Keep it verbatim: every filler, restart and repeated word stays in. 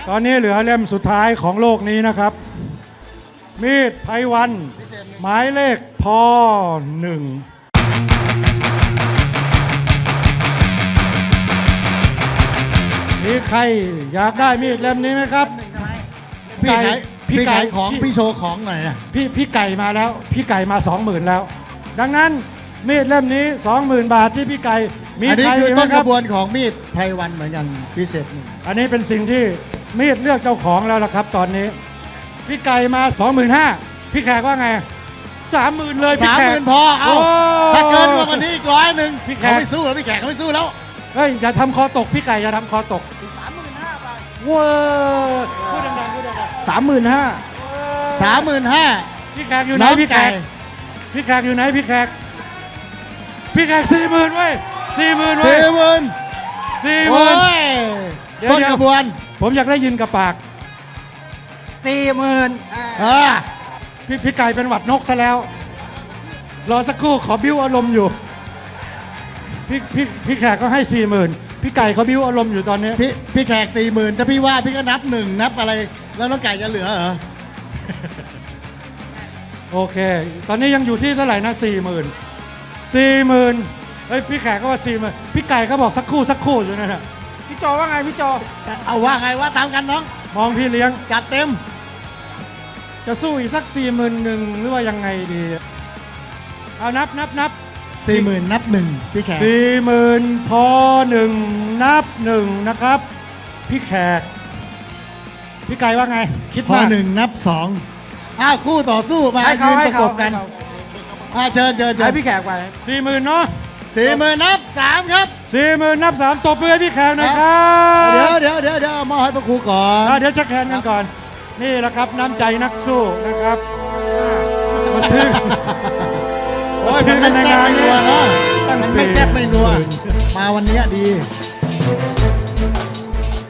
ตอนนี้เหลือเล่มสุดท้ายของโลกนี้นะครับ มีดไพวันหมายเลขพหนึ่งมีใครอยากได้มีดเล่มนี้ไหมครับพี่ขายพี่พี่ไก่ขายของพี่โชว์ของหน่อยนะพี่พี่ไก่มาแล้วพี่ไก่มาสองหมื่นแล้ว ดังนั้นมีดเล่มนี้สองหมื่นบาทที่พี่ไก่มีอันนี้ใครคือไหมต้นคกรับระบวนของมีดไพวันเหมือนกันพิเศษหนึ่งอันนี้เป็นสิ่งที่มีดเลือกเจ้าของแล้วล่ะครับ ตอนนี้พี่ไก่มาสองหมื่นห้าพี่แขกว่าไงสามหมื่นเลยพี่สามแขหกมื่นพอเอาโอ้ถ้าเกินกว่านี้อีกร้อยหนึ่งพี่แขกเขาไม่สู้แล้วพี่แขกเขาไม่สู้แล้วเฮ้ยอย่าทำคอตกพี่ไก่อย่าทำคอตกสามหมื่นห้าบาทเว้ยพูดดังๆพูดดังสามหมื่นห้าสามหมื่นห้าๆพี่แขกอยู่ไหนพี่แขกพี่แขกอยู่ไหนพี่แขกพี่แขกสี่หมื่นเว้ยสี่หมื่นเว้สี่ยหมื่นสี่หโอ้มื่นยเดี๋ยวต้นเดี๋ยวกระบวนผมอยากได้ยินกับปากสี่หมื่นอ่าพี่พี่ไก่เป็นหวัดนกซะแล้ว รอสักครู่ขอบิ้วอารมณ์อยู่ พี่พี่พี่แขกก็ให้สี่หมื่นพี่ไก่เขาบิ้วอารมณ์อยู่ตอนนี้พี่พี่แขกสี่หมื่นถ้าพี่ว่าพี่ก็นับหนึ่งนับอะไร แล้วน้องไก่จะเหลือเหรอโอเค ตอนนี้ยังอยู่ที่เท่าไหร่นะสี่หมื่นสี่หมื่นเฮ้ยพี่แขกก็ว่าสี่หมื่นพี่ไก่ก็บอกสักครู่สักครู่อยู่นั่นแหละพี่โจว่าไงพี่โจเอาว่าไงว่าตามกันน้องมองพี่เลี้ยงจัดเต็มจะสู้อีกสักสี่หมื่นหนึ่งหรือว่ายังไงดีเอานับนับนับสี่หมื่นนับหนึ่งพี่แขกสี่หมื่นพอหนึ่งนับหนึ่งนะครับ พี่แขก พี่ไก่ว่าไง คิดพอว่าหนึ่งนับสองอ้าวคู่ต่อสู้มาให้เขายืนให้ประกเขาบกันให้เขาอ่าเชิญเชิญเชิให้ญพี่แขกไปสี่หมื่นเนาะสี่หมื่นนับสามครับสี่หมื่นนับสามตบมือให้พี่แขกหนะครับเดี๋ยวเดี๋ยวเดี๋ยวเดี๋ยวเอามอบให้พระครูก่อนอ่ะเดี๋ยวเช็คแฮนด์กันก่อน นี่แหละครับน้ำใจนักสู้นะครับมาซื้อโอ้ยมันไม่แซ่บไม่นัวเนาะตั้งมันสี่ไม่แซ่บไม่นัว มาวันเนี้ยดีเ